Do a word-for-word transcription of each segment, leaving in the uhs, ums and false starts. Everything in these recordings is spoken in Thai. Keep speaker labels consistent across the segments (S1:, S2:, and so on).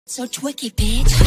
S1: So twicky, bitch.
S2: ส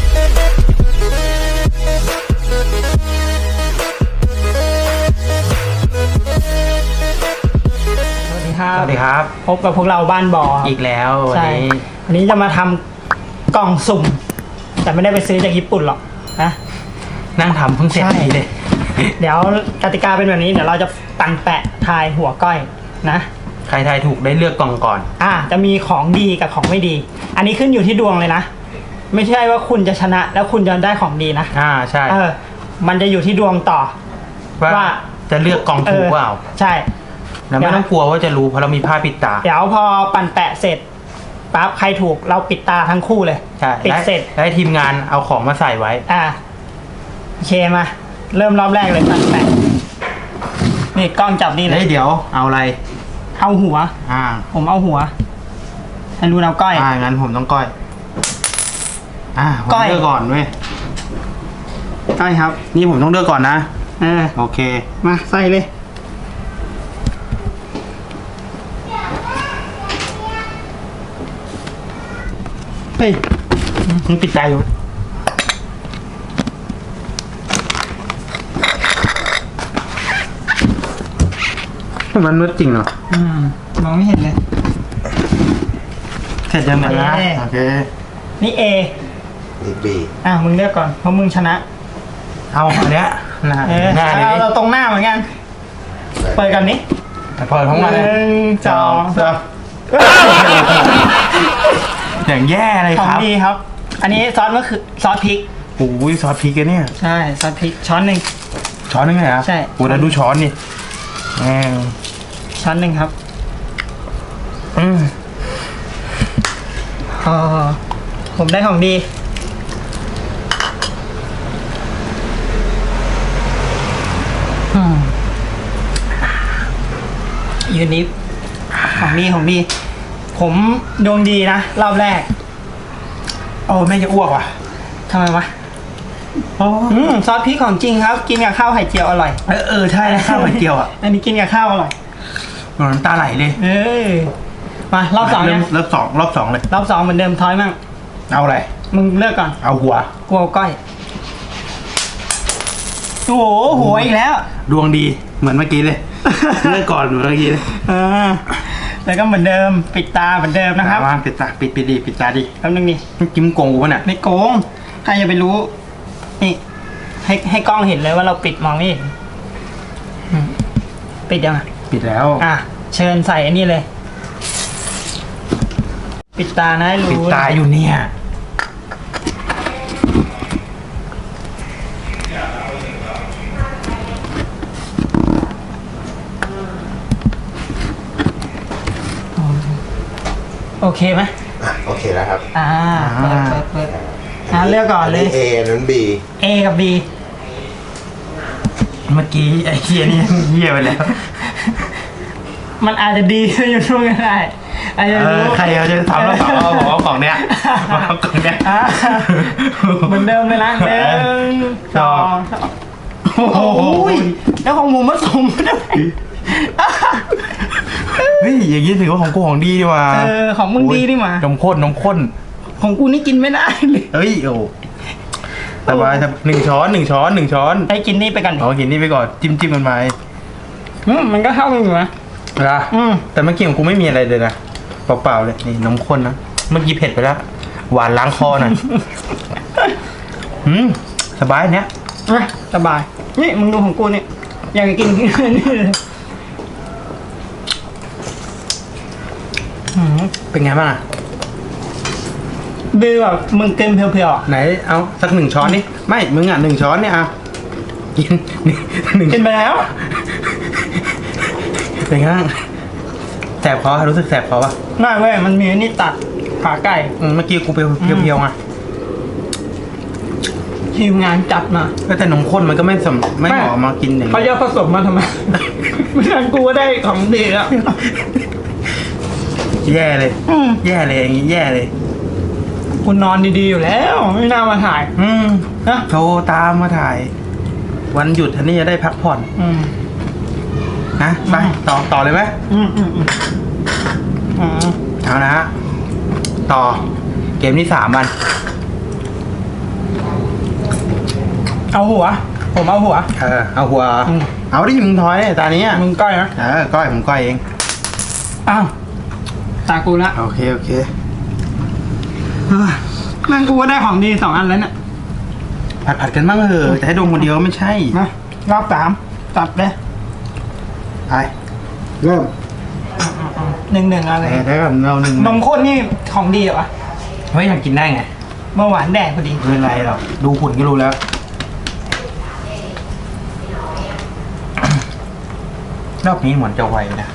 S2: วัสดีครับ
S3: สวัสดีครับ
S2: พบกับพวกเราบ้านบอ
S3: อีกแล้ววัน
S2: ใช่
S3: นี้
S2: วันนี้จะมาทำกล่องสุ่ม แต่ไม่ได้ไปซื้อจากญี่ปุ่นหรอกนะ
S3: นั่งทำเพิ่งเสร็จ
S2: ใช่
S3: นี้เลย
S2: เดี๋ยวกติกาเป็นแบบนี้เดี๋ยวเราจะปั่นแปะทายหัวก้อยนะ
S3: ใครทายถูกได้เลือกกล่องก่อน
S2: อ่าจะมีของดีกับของไม่ดี อันนี้ขึ้นอยู่ที่ดวงเลยนะ ไม่ใช่ว่าคุณจะชนะแล้วคุณจะได้ของดีนะ
S3: อ่าใช่
S2: เออมันจะอยู่ที่ดวงต่อ
S3: ว่า
S2: ว่า
S3: จะเลือกกล่องถูกเปล่า
S2: ใช่
S3: แล้วไม่ต้องกลัวว่าจะรู้เพราะเรามีผ้าปิดตา
S2: เดี๋ยวพอปั่นแปะเสร็จปั๊บใครถูกเราปิดตาทั้งคู่เลย
S3: ใช่
S2: ปิด
S3: และ
S2: เสร็จ
S3: และทีมงานเอาของมาใส่ไว้
S2: อ่าโอเคมาเริ่มรอบแรกเลยปั่นแปะนี่กล้องจับนี่เล
S3: เฮ้
S2: ย
S3: ยเดี๋ยวเอาอะไร
S2: เอาหัว
S3: อ่า
S2: ผมเอาหัวให้รู้เอาก้อย
S3: อ่างั้นผมต้องก้อย อ่าผม
S2: ก้อย
S3: เลือกก่อนเว้ย
S2: ก้อยครับ
S3: นี่ผมต้องเลือกก่อนนะ
S2: เออ
S3: โอเค
S2: มาใส่เลยเฮ้ย
S3: มึงปิดตาอยู่มันมืดจริงเหรอ
S2: อืมมองไม่เห็นเลย
S3: เสร็จยังไงนะ
S2: โอเค
S3: โอเค
S2: นี่ A
S4: นี่บี
S2: อ่ะมึงเลือกก่อนเพราะมึงชนะ
S3: เอาอันเนี้ยหน้า
S2: เออ
S3: หน้า
S2: เอา
S3: นี้
S2: เราตรงหน้าเหมือนกันเปิดกันนี้
S3: เปิดทั้งวัน
S2: ห
S3: เลย
S2: นึ่งสองสาม
S3: อย่างแย่เลย
S2: ของ
S3: ครับ
S2: ดีครับ อันนี้ซอสมะเขือซอสพริก
S3: โอ้ยซอสพริกอะเนี่ย
S2: ใช่ซอสพริกช้อนหนึ่ง
S3: ช้อนนึงเลยเหรอ
S2: ใช่
S3: โอ้แล้วดูช้อนนี่แหม
S2: ช้อนหนึ่งครับ
S3: อืม
S2: อ๋อผมได้ของดีอืมยูนิฟของดีของดี ผมดวงดีนะรอบแรก
S3: โอ้แม่จะอ้วกว่ะ
S2: ทำไมวะ
S3: โอ้
S2: อืมซอสพริกของจริงครับ กินกับข้าวไข่เจียวอร่อย
S3: เออเออใช่ข้าวไข่เจียวอ่ะ
S2: อันนี้กินกับข้าวอร่อย
S3: น้ำตาไหลเลย
S2: เอ้ยมารอบสอง
S3: เริ่
S2: ยั
S3: ม
S2: ง
S3: เริ่มสองรอบสองเลย
S2: รอบสองเหมือนเดิมทอยมั่ง
S3: เอาอะไร
S2: มึงเลือกก่อน
S3: เอาหัว
S2: กลัวก้อย โอ้โหหัวอีกแล้ว
S3: ดวงดีเหมือนเมื่อกี้เลย เลือกก่อนเหมือนเมื่อกี้เลย
S2: อ่าแล้วก็เหมือนเดิมปิดตาเหมือนเดิมนะครับ
S3: วางปิดตาปิดปิดดีปิดตาดิ
S2: แป๊บนึงดิ
S3: มันจิ้มโกงกูปะเนี่ย
S2: ไม่โกงใครจะไปรู้ นี่ ให้ให้กล้องเห็นเลยว่าเราปิดมองไม่เห็นอืมปิดยังอ่ะ
S3: ปิดแล้ว
S2: อ่ะ เชิญใส่อันนี้เลย ปิดตานะให้รู้
S3: ปิดตาอยู่เนี่ย
S2: โอเคไหม
S4: อ่ะโอเคแล้วครับ
S2: อ่าเปิดเปิดเปิดอ่าเลือกก่อนเลย
S4: เอนั้นบี
S2: A กับ B
S3: เมื่อกี้ไอ้เฮียนี่เฮียไปแล้ว
S2: มันอาจจะดีอยู่ช่วงก็ได้อาจจะ
S3: เอ
S2: รู้
S3: อใครเขาจะทำแล้วเอาบอกว่ากล่องเนี้ยเอากล่องเนี้ย
S2: อ่ะเหมือนเดิมเลยนะหนึ่งสองสาม
S3: โอ้โห
S2: โอ้ยแล้วของผมผสมด้วย
S3: เฮ้ยอย่างนี้ถือว่าของกูของดีดีว่ะ
S2: เออของมึงดีนี่หว่าน
S3: มข้นนมข้น
S2: ของกูนี่กินไม่ได้เลย
S3: เฮ้ยโอ้สบายสบายหนึ่งช้อนหนึ่งช้อนหนึ่งช้อน
S2: ให้กินนี่ไปกันดิ
S3: เอากินนี่ไปก่อนจิ้มจิ้มกันไป
S2: อืมมันก็เข้ากันอยู่นะ
S3: นะ
S2: อืม
S3: แต่เมื่อกี้ของกูไม่มีอะไรเลยนะเปล่าๆเลยนี่นมข้นนะเมื่อกี้เผ็ดไปแล้วหวานล้างคอหน่อยอืมสบายเนี้ย
S2: อ่ะสบาย นี่มึงดูของกูนี่อยากจะกินนี่เลยอืม
S3: เป็นไงบ้างอะ
S2: ดีแบบมึงเกินเพียวๆอ่ะ
S3: ไหนเอาสักหนึ่งช้อนนี่ไม่มึงอ่ะหนึ่งช้อนเนี่ยอ่ะกินนี่หนึ่ง
S2: กินไปแล้ว
S3: เป็นไงบ้างแสบคอรู้สึกแสบคอปะ
S2: น่าเว้ยมันมีอันนี่ตัดขาไก่
S3: อืมเมื่อกี้กูเพียวๆเพียวๆไง
S2: ทีมงานจัดมา
S3: ก็แต่นมข้นมันก็ไม่สมไม่เหมาะมากินอย่าง
S2: เขา
S3: นี้
S2: จะผสมมาทำไม ไม่งั้นกูก็ได้ของดีแล้ว
S3: แย่เลย
S2: อืม
S3: แย่เลยอย่างงี้แย่เลย
S2: คุณนอนดีๆอยู่แล้ว ไม่น่ามาถ่าย
S3: อืม
S2: นะ
S3: โทรตามมาถ่าย วันหยุดท่านนี่จะได้พักผ่อน
S2: อืม
S3: นะไปต่อต่อเลยไหม
S2: อืมอืมอืมอืม
S3: เอานะฮะต่อเกกมที่สามมัน
S2: เอาหัว ผมเอาหัว
S3: เออเอาหัว
S2: อืม
S3: เอาดิมึงถอยตานี้อ่ะ
S2: มึงก้อยนะ
S3: เออก้อยผมก้อยเอง
S2: อ้าวตากูละ
S3: โอเคโอเค
S2: เฮ้ยแม่งกูก็ได้ของดีสองอันแล้วเนี่ย
S3: ผัดผัดกันบ้างเถอะแต่ให้ดมคนเดียวไม่ใช่
S2: มารอบสามตัดเลย
S3: ไปเริ่ม
S2: หนึ่งหนึ่งอะไร
S3: แต่ถ้ากับเราหนึ่ง
S2: นมข้นนี่ของดีเหรอวะ
S3: เฮ้ยอยากกินได้ไง
S2: เมื่อหวานแดงพอดี
S3: ไม่เป็นไรหรอกดูหุ่นก็รู้แล้ว รอบนี้เหมือนจะไวนะ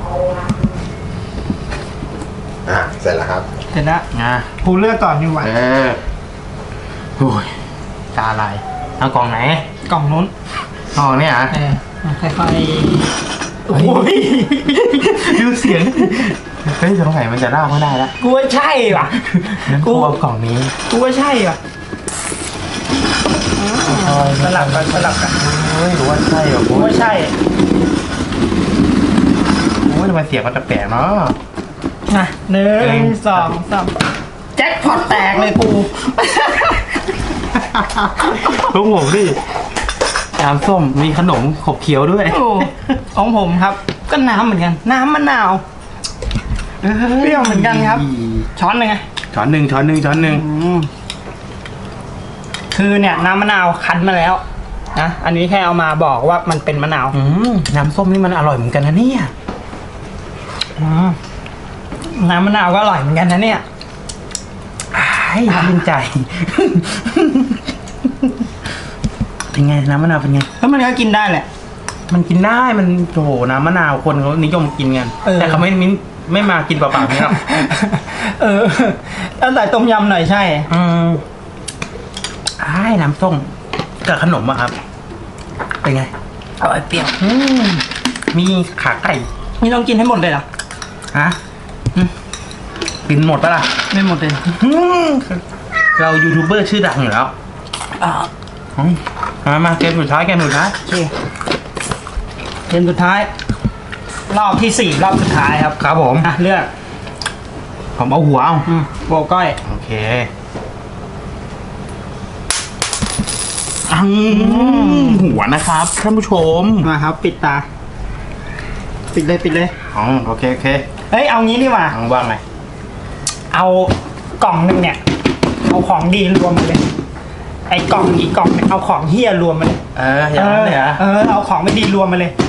S4: อ่ะ เสร็จแล้วครับ
S2: เดี๋ยวนะ
S3: นะ
S2: กูเลือกก่อนดีกว่า
S3: เออโอ้ยตาลายเอากล่องไหน
S2: กล่องนู้น
S3: กล่องเนี่ยอ่ะ
S2: เออค่อยๆโอ้ย
S3: ดูเสียงเฮ้ยสงสัยมันจะเล่าไม่ได้ละ
S2: กูว่าใช่ว่ะ
S3: งั้นกูเอากล่องนี้
S2: กูว่าใช่ว่ะสลับกันสลับกัน
S3: เฮ้ยหรือว่าใช่เหรอ
S2: กู
S3: โอ้ย
S2: ว่าใช่
S3: โอ้ยทำไมเสียงมันแปลกๆเนาะ
S2: นะหนึ่
S3: หนึ่
S2: ง
S3: ง
S2: สองสามแจ็คพอตแตกเลยกู
S3: ของผมดิน้ำส้มมีขนมขบเคี้ยวด้วย
S2: โอ้ของผมครับ ก็น้ำเหมือนกัน น้ำมะนาว เปรี้ยวเหมือนกันครับ ช้อนหนึ่งไง
S3: ช้อนหนึ่งช้อนหนึ่งช้อนหนึ่ง
S2: อืมคือเนี่ยน้ำมะนาวคั้นมาแล้วนะอันนี้แค่เอามาบอกว่ามันเป็นมะนาว
S3: อืมน้ำส้มนี่มันอร่อยเหมือนกันนะเนี่ย
S2: อืมน้ำมะนาวก็อร่อยเหมือนกันนะเนี่ย
S3: อ้ายชื่นใจ เป็นไงน้ำมะนาวเป็นไง
S2: แล้วมันก็กินได้แหละ
S3: มันกินได้มันโอ้โหน้ำมะนาวคนเขานิยมกินกัน
S2: เออ
S3: แต่เขาไม่ไม่ไม่มากินเปล่าๆนี่หรอก
S2: เออแล้วใส่ต้มยำหน่อยใช่
S3: อืมอ้ายน้ำส้มกับขนมอะครับ เป็นไง
S2: อร่อยเปรี้ยว
S3: อืมมีขาไก่
S2: นี่ต้องกินให้หมดเลยเหรอ
S3: ฮะอืมกินหมดปะล่ะ
S2: ไม่หมดเลย
S3: อืมเรายูทูบเบอร์ชื่อดังอยู่แล้ว
S2: อ่า
S3: อืมมามาเกมสุดท้ายเกมสุดท้าย
S2: โอเคเกมสุดท้าย รอบที่สี่รอบสุดท้ายครับ
S3: ครับผม
S2: อ่ะเลือก
S3: ผมเอาหัวเอา
S2: อืมโบก้อย
S3: โอเคอังหัวนะครับท่านผู้ชม
S2: มาครับ ปิดตา ปิดเลยปิดเลย
S3: อ๋อโอเคโอเค
S2: เฮ้ยเอางี้ดีกว่า
S3: อังว่างไง
S2: เอากล่องหนึ่งเนี่ย เอาของดีรวมมาเลย ไอ้กล่องอีกกล่องเนี่ยเอาของเฮี้ยรวมมาเลย
S3: เอออย่างนั้นเลยเหรอ
S2: เออเอาของไม่ดีรวมมาเลย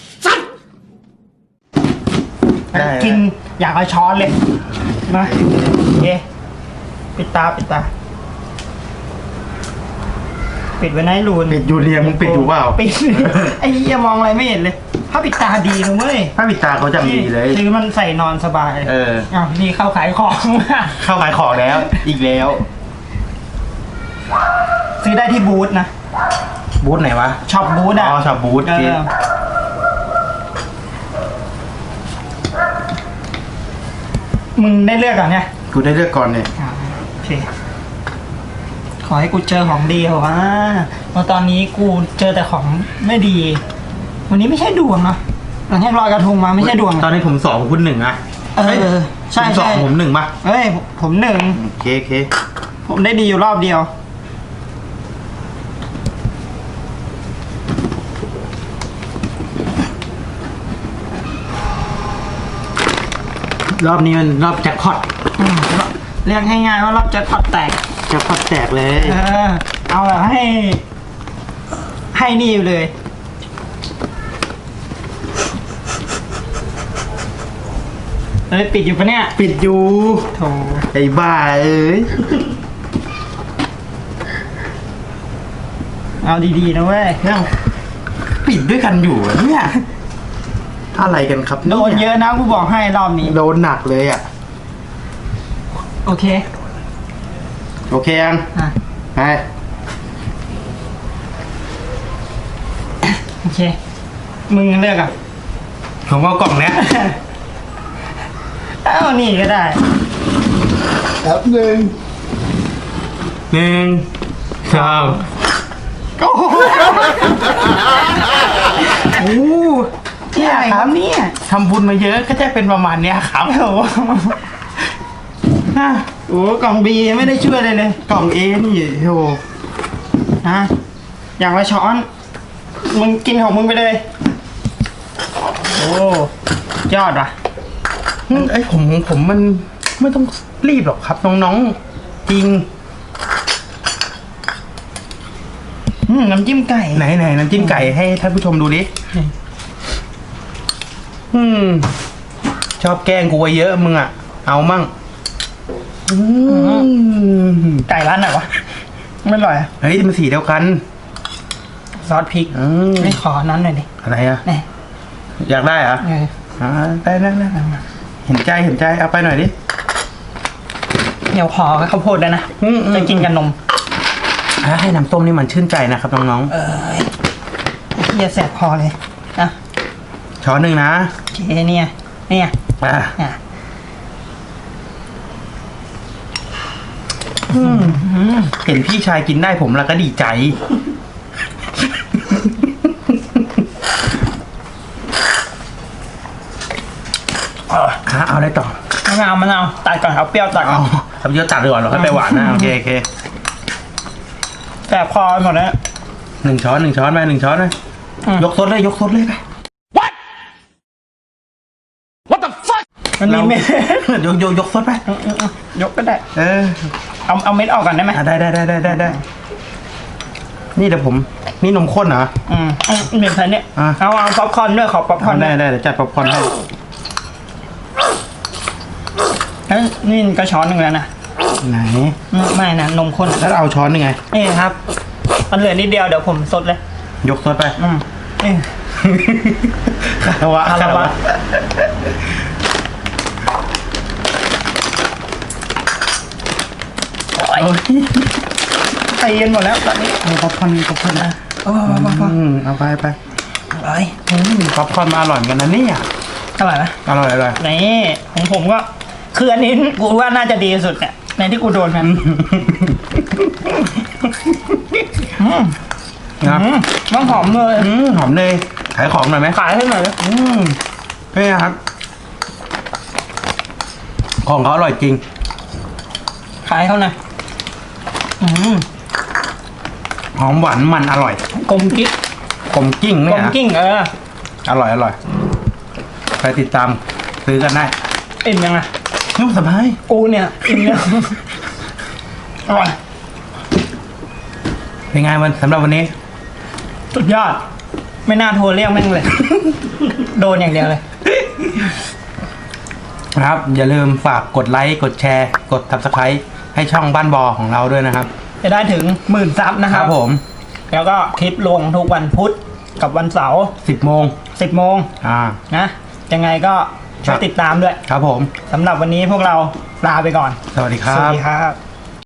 S2: สัตว์
S3: ได้
S2: กินอยากเอาช้อนเลยมาโอเคปิดตาปิดตา ปิดไว้นะไอ้รูน
S3: ปิดอยู่เรียมึงปิดอยู่เปล่า
S2: ปิด ไอ้เหี้ยมองอะไรไม่เห็นเลย ถ้าปิดตาดีนะเว้ย
S3: ถ้าปิดตาเขาจำดีเลย
S2: คือมันใส่นอนสบาย
S3: เออ
S2: อ้าวนี่เข้าขายของ
S3: เข้าขายของแล้ว อีกแล้ว
S2: ซื้อได้ที่บูธนะ
S3: บูธไหนวะ
S2: ช็อปบูธ
S3: อ๋
S2: อ่ะ
S3: อช็อปบูธ
S2: เอ
S3: เจ๊
S2: อมึงได้เลือกก่อนเนี่ย
S3: กูได้เลือกก่อนเนี่ย
S2: อ่าโอเค ขอให้กูเจอของดีเหรอวะเพราะตอนนี้กูเจอแต่ของไม่ดี วันนี้ไม่ใช่ดวงเนาะหลังจากลอยกระทงมาไม่ใช่ดวง
S3: ตอนนี้ผมสองคุณหนึ่งอะ
S2: เออใช่
S3: ผมสอง
S2: ใช่
S3: ผมหนึ่งปะ
S2: เอ้ยผมผมหนึ่ง
S3: โอเคโอเค
S2: ผมได้ดีอยู่รอบเดียว
S3: รอบนี้มันรอบแจ็คพอต
S2: อืมเรียกง่ายๆว่ารอบแจ็คพอตแตก
S3: แจ็คพอตแตกเลย
S2: เออ เอาแบบให้ ให้นี่อยู่เลย เอ้ยปิดอยู่ปะเนี่ย
S3: ปิดอยู่
S2: โถ
S3: ไอ้บ้าเอ้ย
S2: เอาดีๆนะเว้ย
S3: เนี่ยปิดด้วยกันอยู่อะเนี่ยอะไรกันครับ
S2: โดนเยอะนะกูบอกให้รอบนี้
S3: โดนหนักเลยอ่ะ
S2: โอเค
S3: โอเคยัง
S2: อ่ะ
S3: ไป
S2: โอเค มึงเลือกอ่ะ
S3: ผมเอากล่องเนี้ย
S2: เอ้านี่ก็ได้
S3: แป๊บหนึ่งหนึ่งสอง
S2: โอ้โหโอ้โหที่ไหนครับเนี่ย
S3: ทำบุญมาเยอะก็จะเป็นประมาณเนี้ยครับ
S2: โอ้โหฮะโอ้กล่องบีไม่ได้ช่วยเลยเลย
S3: กล่องเอนี่โอ้
S2: ฮะอย่างละช้อนมึงกินของมึงไปเลยโอ้ยอดว่ะ
S3: ไอยผมผมมันไม่ต้องรีบหรอกครับน้องๆจริง
S2: อืมน้ำจิ้มไก่
S3: ไหนไหนน้ำจิ้มไก่ให้ท่านผู้ชมดูดิอืมชอบแกล้งกูไว้เยอะมึงอ่ะเอามั่งอืม
S2: ไก่ร้านไหนวะไม่อร่อยอะ
S3: เฮ้ยมันสีเดียวกัน
S2: ซอสพริก
S3: อืม
S2: ไม่ขอนั้นหน่อยดิ
S3: อะไรอ่ะ
S2: นี่
S3: อยากได้เหรอ
S2: เออ
S3: อ่าได้ได้ได้เห็นใจเห็นใจเอาไปหน่อยดิ
S2: เดี๋ยวขอข้าวโพดได้นะ
S3: อืมอืม
S2: จะกินกับนม
S3: อ่าให้น้ำส้มนี่มันชื่นใจนะครับน้อง
S2: เออเฮียแสบคอเลยนะ
S3: ๆช้อนหนึ่งนะ
S2: โอเคเนี่ยเนี่ย
S3: อ่า
S2: อ่ะ
S3: อืมเห็นพี่ชายกินได้ผมแล้วก็ดีใจ
S2: เออ
S3: อ่ะเอาได้ต่อ
S2: มะนาวมะนาวตัดก่อนเอาเปรี้ยวตัดก่
S3: เอา
S2: อน
S3: ทำเยอะตัดดีกว่าเราค่อยไปหวานนะโอเคโอเค
S2: แสบคอไปหมดแล้ว
S3: หนึ่งช้อนหนึ่งช้อนไปหนึ่งช้อนไป
S2: อืม
S3: ยกซดเลยยกซดเลยไป
S2: มันมีเม็ด
S3: ยกยกยกซดไป
S2: อืมอืมอืมยกก็ได้
S3: เออ
S2: เอาเอาเม็ดออกก่อนได้ไหม
S3: อ่ะได้ได้ได้ได้ได้ได้นี่เดี๋ยวผมนี่นมข้นเหรอ
S2: อืมเอาเม็ดใส่เนี่ย
S3: อ่ะ
S2: เอาเอาป๊อปคอร์นด้วยขอป๊อปคอ
S3: เอา
S2: ร์น
S3: ได้
S2: ด้วย
S3: ได้เดี๋ยวจัดป๊อปคอร์นให้
S2: เอ้ยนี่กระช้อนหนึ่งแล้วนะ
S3: ไหน
S2: อืมไม่นะนมข้น
S3: แล้วเอาช้อนยังไง
S2: นี่ครับมันเหลือนิดเดียวเดี๋ยวผมซดเลย
S3: ยกซดไป
S2: อืมนี่
S3: คารวะ
S2: คารวะ โอ้ย
S3: โอ้ย
S2: ไปเย็นหมดแล้วตอนนี้
S3: เอาป๊อปคอร์นป๊อปคอร์นนะ
S2: โอ้โหโอ้โห
S3: อืมเอาไปไป
S2: อร่อย
S3: อืมป๊อปคอร์นมาอร่อยเหมือนกันนะเนี่ย
S2: อร่อยนะ
S3: อร่อยอร่อย
S2: นี่ของผมก็คืออันนี้กูว่าน่าจะดีที่สุดเนี่ยในที่กูโดนมันอืม
S3: นะ
S2: อืมมันหอมเลย
S3: อืมหอมเลยขายของหน่อยไหม
S2: ขายให้หน่อยเลย
S3: อืมนี่ครับ ของเขาอร่อยจริง
S2: ขายเขาหน่อยอืม
S3: หอมหวานมันอร่อย
S2: กลมกิ๊ก
S3: กลมกิ้ง
S2: ก
S3: เนี่
S2: ล
S3: ย
S2: ม
S3: นะ
S2: กิ้งเออ
S3: อร่อยอร่อยไปติดตามซื้อกันได้
S2: อิ่มยังไง
S3: นุ่มสบาย
S2: กูเนี่ยอิ่มเนี่ยอร่อย
S3: เป็นไงวันสำหรับวันนี้
S2: สุดยอด ไม่น่าโทรเรียกแม่งเลย โดนอย่างเดียวเลย
S3: นะครับ อย่าลืมฝากกดไลค์กดแชร์ กด ซับสไครบ์ ให้ช่องบ้านบอของเราด้วยนะครับ
S2: จะได้ถึงหมื่นซับนะ
S3: ค
S2: ค
S3: รั
S2: รั
S3: บบ ผม
S2: แล้วก็คลิปลงทุกวันพุธกับวันเสาร์
S3: สิบโมง
S2: สิบโมง
S3: อ่า
S2: นะยังไงก็ช่วยติดตามด้วย
S3: ครับผม
S2: สำหรับวันนี้พวกเราลาไปก่อน
S3: สวัสดีค
S2: ส
S3: รั
S2: วัส
S3: บ
S2: ดีครับ